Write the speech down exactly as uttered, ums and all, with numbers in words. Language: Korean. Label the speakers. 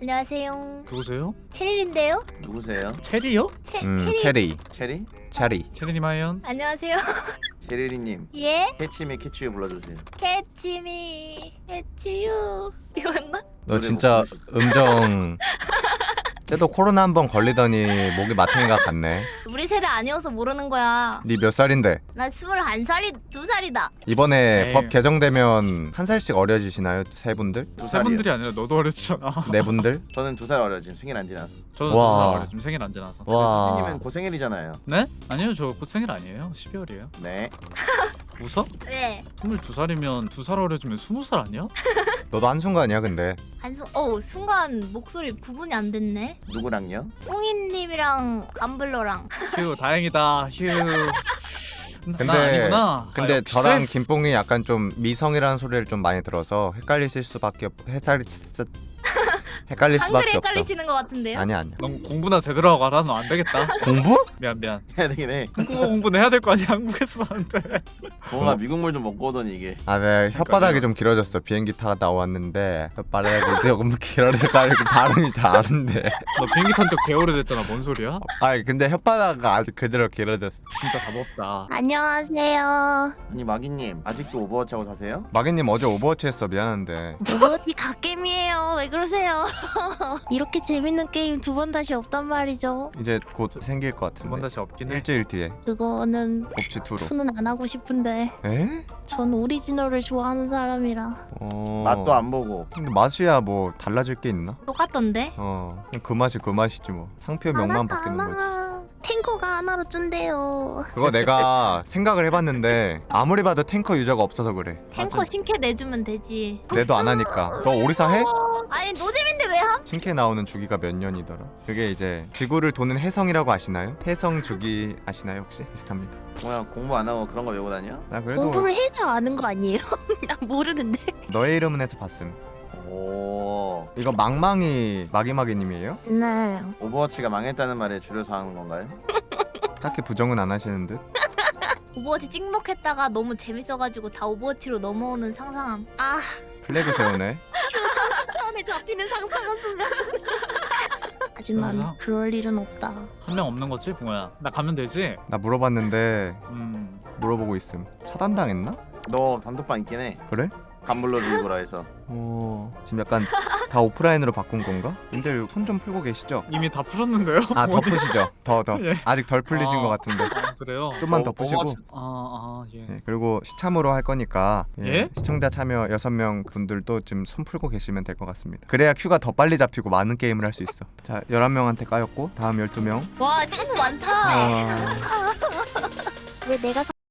Speaker 1: 안녕하세요.
Speaker 2: 누구세요?
Speaker 1: 체리인데요?
Speaker 3: 누구세요?
Speaker 2: 체리요?
Speaker 1: 체
Speaker 4: 음,
Speaker 1: 체리.
Speaker 4: 체리,
Speaker 3: 체리?
Speaker 4: 체리.
Speaker 2: 체리님 하연.
Speaker 1: 안녕하세요.
Speaker 3: 체리리님
Speaker 1: 예?
Speaker 3: 캐치미 캐치유 불러주세요.
Speaker 1: 캐치미 캐치유 이거 맞나?
Speaker 4: 너
Speaker 3: 노래
Speaker 4: 진짜
Speaker 3: 못
Speaker 4: 음정. 쟤도 코로나 한 번 걸리더니 목이 마탱이가 갔네.
Speaker 1: 우리 세대 아니어서 모르는 거야.
Speaker 4: 니 몇 살인데?
Speaker 1: 나 스물한 살이 두 살이다.
Speaker 4: 이번에
Speaker 2: 에이.
Speaker 4: 법 개정되면 한 살씩 어려지시나요? 세 분들?
Speaker 3: 두
Speaker 2: 세
Speaker 3: 살이요.
Speaker 2: 분들이 아니라 너도 어렸잖아.
Speaker 4: 네 분들?
Speaker 3: 저는 두 살 어려 지금 생일 안 지나서.
Speaker 2: 저는
Speaker 4: 와.
Speaker 2: 두살 어려. 지금 생일 안 지나서.
Speaker 4: 와.
Speaker 3: 수진님은 곧 생일이잖아요.
Speaker 2: 네? 아니요, 저 곧 생일 아니에요. 십이월이에요.
Speaker 3: 네.
Speaker 2: 웃어?
Speaker 1: 네.
Speaker 2: 스물두 살이면 두 살 어려지면 스무 살 아니야?
Speaker 4: 너도 한순간이야 근데.
Speaker 1: 한순 어 순간 목소리 구분이 안 됐네.
Speaker 3: 누구랑요?
Speaker 1: 뽕이님이랑 감블러랑.
Speaker 2: 휴, 다행이다. 휴.
Speaker 4: 근데
Speaker 2: 나 아니구나.
Speaker 4: 근데
Speaker 2: 아, 역시?
Speaker 4: 저랑 김뽕이 약간 좀 미성이라는 소리를 좀 많이 들어서 헷갈리실 수밖에 없. 헷갈리 헷갈릴
Speaker 1: 한글에
Speaker 4: 수밖에 없어.
Speaker 1: 헷갈리시는 것 같은데요?
Speaker 4: 아니야 아니야.
Speaker 2: 넌 공부나 제대로 하고 알아. 너 안 되겠다.
Speaker 4: 공부?
Speaker 2: 미안 미안.
Speaker 3: 해야 되긴 해.
Speaker 2: 한국어 공부는 해야 될 거 아니야. 한국에서 하는데.
Speaker 3: 뭔가
Speaker 4: 어.
Speaker 3: 미국물 좀 먹고 오더니 이게.
Speaker 4: 아, 네 혓바닥이 좀 길어졌어. 비행기 타고 나왔는데 혓바닥이 조금 길어져가지고 발음이 잘 안 돼.
Speaker 2: 너 비행기 탄 적 개 오래됐잖아. 뭔 소리야?
Speaker 4: 아 근데 혓바닥이 아직 그대로 길어졌어.
Speaker 2: 진짜 답 없다.
Speaker 1: 안녕하세요.
Speaker 3: 아니 마기님 아직도 오버워치 하고 사세요?
Speaker 4: 마개님 어제 오버워치 했어. 미안한데.
Speaker 1: 오버워치 갓게임이에요. 왜 그러세요? 이렇게 재밌는 게임 두 번 다시 없단 말이죠.
Speaker 4: 이제 곧 생길 것
Speaker 2: 두 번
Speaker 4: 같은데.
Speaker 2: 다시 없긴 해.
Speaker 4: 일주일 뒤에
Speaker 1: 그거는
Speaker 4: 옵지 투로.
Speaker 1: 투는 안 하고 싶은데
Speaker 4: 에?
Speaker 1: 전 오리지널을 좋아하는 사람이라.
Speaker 4: 어.
Speaker 3: 맛도 안 보고.
Speaker 4: 근데 맛이야 뭐 달라질 게 있나?
Speaker 1: 똑같던데?
Speaker 4: 어. 그냥 그 맛이 그 맛이지 뭐. 상표 명만 바뀌는 거지.
Speaker 1: 탱커가 하나로 준대요.
Speaker 4: 그거 내가 생각을 해봤는데 아무리 봐도 탱커 유저가 없어서 그래.
Speaker 1: 탱커
Speaker 2: 맞아.
Speaker 1: 신캐 내주면 되지.
Speaker 4: 내도 안 하니까. 너 오리사 해?
Speaker 1: 아니 노잼인데 왜 함?
Speaker 4: 신캐 나오는 주기가 몇 년이더라? 그게 이제 지구를 도는 해성이라고 아시나요? 해성 주기 아시나요 혹시? 비슷합니다.
Speaker 3: 뭐야 공부 안 하고 그런 거 외우고 다녀?
Speaker 4: 나 그래도
Speaker 1: 공부를 해서 아는 거 아니에요? 나 모르는데.
Speaker 4: 너의 이름은 해서 봤음.
Speaker 3: 오.
Speaker 4: 이거 망망이 마기마기님이에요?
Speaker 1: 네.
Speaker 3: 오버워치가 망했다는 말에 줄여서 하는 건가요?
Speaker 4: 딱히 부정은 안 하시는 듯?
Speaker 1: 오버워치 찍먹했다가 너무 재밌어가지고 다 오버워치로 넘어오는 상상함. 아,
Speaker 4: 플래그 세우네.
Speaker 1: 안에 잡히는 상상한 순간. 하지만
Speaker 2: 그래서?
Speaker 1: 그럴 일은 없다.
Speaker 2: 한 명 없는 거지, 붕어야. 나 가면 되지.
Speaker 4: 나 물어봤는데
Speaker 2: 음.
Speaker 4: 물어보고 있음. 차단당했나?
Speaker 3: 너 단톡방 있긴 해.
Speaker 4: 그래?
Speaker 3: 간불러 주고라 해서.
Speaker 4: 어... 지금 약간 다 오프라인으로 바꾼 건가? 님들 손 좀 풀고 계시죠?
Speaker 2: 이미 다 풀었는데요.
Speaker 4: 아 더 푸시죠. 더 더.
Speaker 2: 예.
Speaker 4: 아직 덜 풀리신
Speaker 2: 아.
Speaker 4: 것 같은데.
Speaker 2: 아, 그래요.
Speaker 4: 좀만
Speaker 3: 어,
Speaker 4: 더 푸시고.
Speaker 3: 오버워치-
Speaker 2: 아, 아, 예.
Speaker 4: 예, 그리고 시참으로 할 거니까 예,
Speaker 2: 예?
Speaker 4: 시청자 참여 여섯 명 분들도 지금 손 풀고 계시면 될 것 같습니다. 그래야 큐가 더 빨리 잡히고 많은 게임을 할 수 있어. 자, 열한 명한테 까였고 다음 열두 명.
Speaker 1: 와, 친구 많다.
Speaker 4: 아...
Speaker 1: 왜 내가